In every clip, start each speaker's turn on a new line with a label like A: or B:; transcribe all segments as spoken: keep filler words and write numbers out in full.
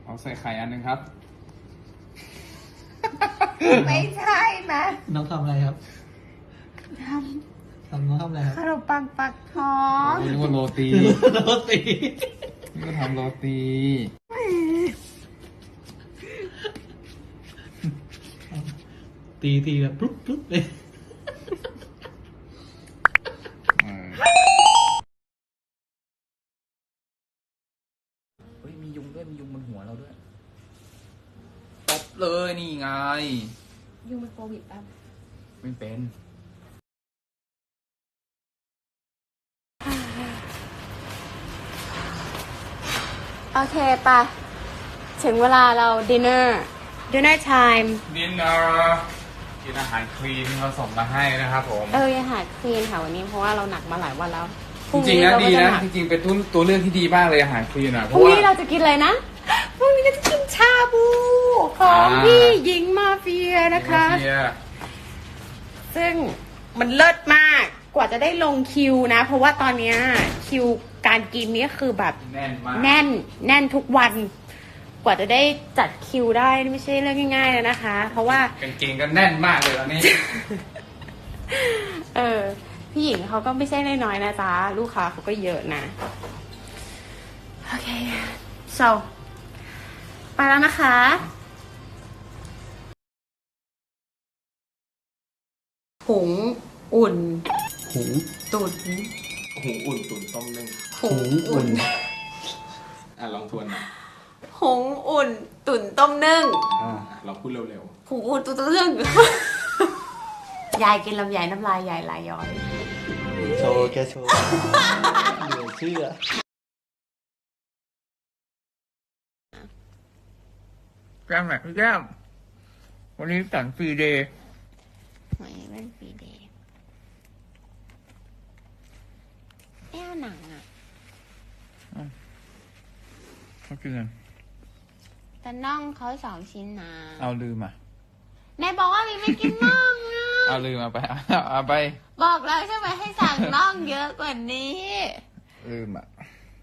A: เอาใส่ไข่อันหนึ่งครับ
B: ไม่ใช่นะ
C: น้องทำอะไรครับ
B: ท
C: ทำน้องทำอะไรค
B: ำ
C: รับ
B: ขนมปังปักท้อง
A: นี่นึกว่าโรตี
C: โรตี
A: นี่ก็ทำโรตี
C: ตีตีแบบปุ๊บปุ๊บเลย
A: เออเฮ้ยมียุงด้วยมียุงบนหัวเราด้วยตบเลยนี่ไง
B: ยุงเป็นโควิดป่ะ
A: ไม่เป็น
B: โอเคปะถึงเวลาเราดินเนอร์ดินเนอร์ไทม์
A: ดินเนอร์กินอาหารคลีนที่เขาส่งมาให้นะครับผม
B: เอออาหารคลีนค่ะวันนี้เพราะว่าเราหนักมาหลายวันแล้วพ
A: จ
B: รุ่
A: ริงๆนะ
B: เรา
A: ดี
B: ก็จ
A: นะ
B: หก
A: จริงๆเป็นตัวตัวเลือกที่ดีมากเลยอาหารคลีนอ่ะเพ
B: พรุ่
A: ราะ
B: ง
A: ว่า
B: นี้เราจะกินอะไรนะพรุ่งนี้เราจะกินชาบูของ
A: อ่า
B: พี่หญิงมาเฟียนะคะ
A: เฮีย
B: ซึ่งมันเลิศมากกว่าจะได้ลงคิวนะ เพราะว่าตอนเนี้ยคิวการกินนี่คือแบบ
A: แน่นมาก
B: แน่นแน่นทุกวัน กว่าจะได้จัดคิวได้นี่ไม่ใช่เรื่องง่ายๆเลยนะคะ เพราะว่า
A: กางเกงก็แน่นมากเลยตอนนี้
B: เออพี่หญิงเขาก็ไม่ใช่น้อยๆนะจ๊ะลูกค้าเขาก็เยอะนะ โอเค so ไปแล้วนะคะหุงอุ่น
C: หู
B: ตุ๋น
A: หูอุ่นตุ๋นต้มนึ่ง
B: หุงอุ่น
A: อ่ะลองทวนหน่อย
B: หุงอุ่น ตุ๋นต้มนึ่ง
A: อ่าเราพูดเร็ว
B: หุงอุ่นตุ๋นต้มนึ่ง ยายกินลำไยน้ำลายยายไหลย้อย
C: โชว์แกโชว์เหลือเชื่อ
A: ๆแก้มไหนพี่แก้มวันนี้สันฟรีเดย์
B: ไม่เป็นปีเดย์แอ้วหนังอ่ะ
A: เขากินกัน
B: แต่น่องเขาสองชิ้นนะ
A: เอาลืมอ่ะ
B: แม่บอกว่ามีไม่กินน่องอ่ะ
A: เอาลืมเอาไปเอาเอาไป
B: บอกแล้วใช่ไหมให้สั่งน่องเยอะกว่านี้
A: ลืมอ่ะ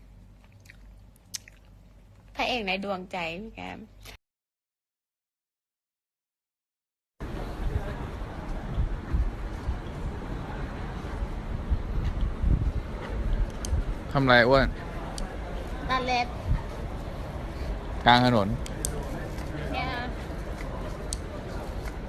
B: พระเอกในดวงใจพี่แกม
A: ทำไรอ้วน
B: ตัดเล็บ
A: กลางถนน
B: ใ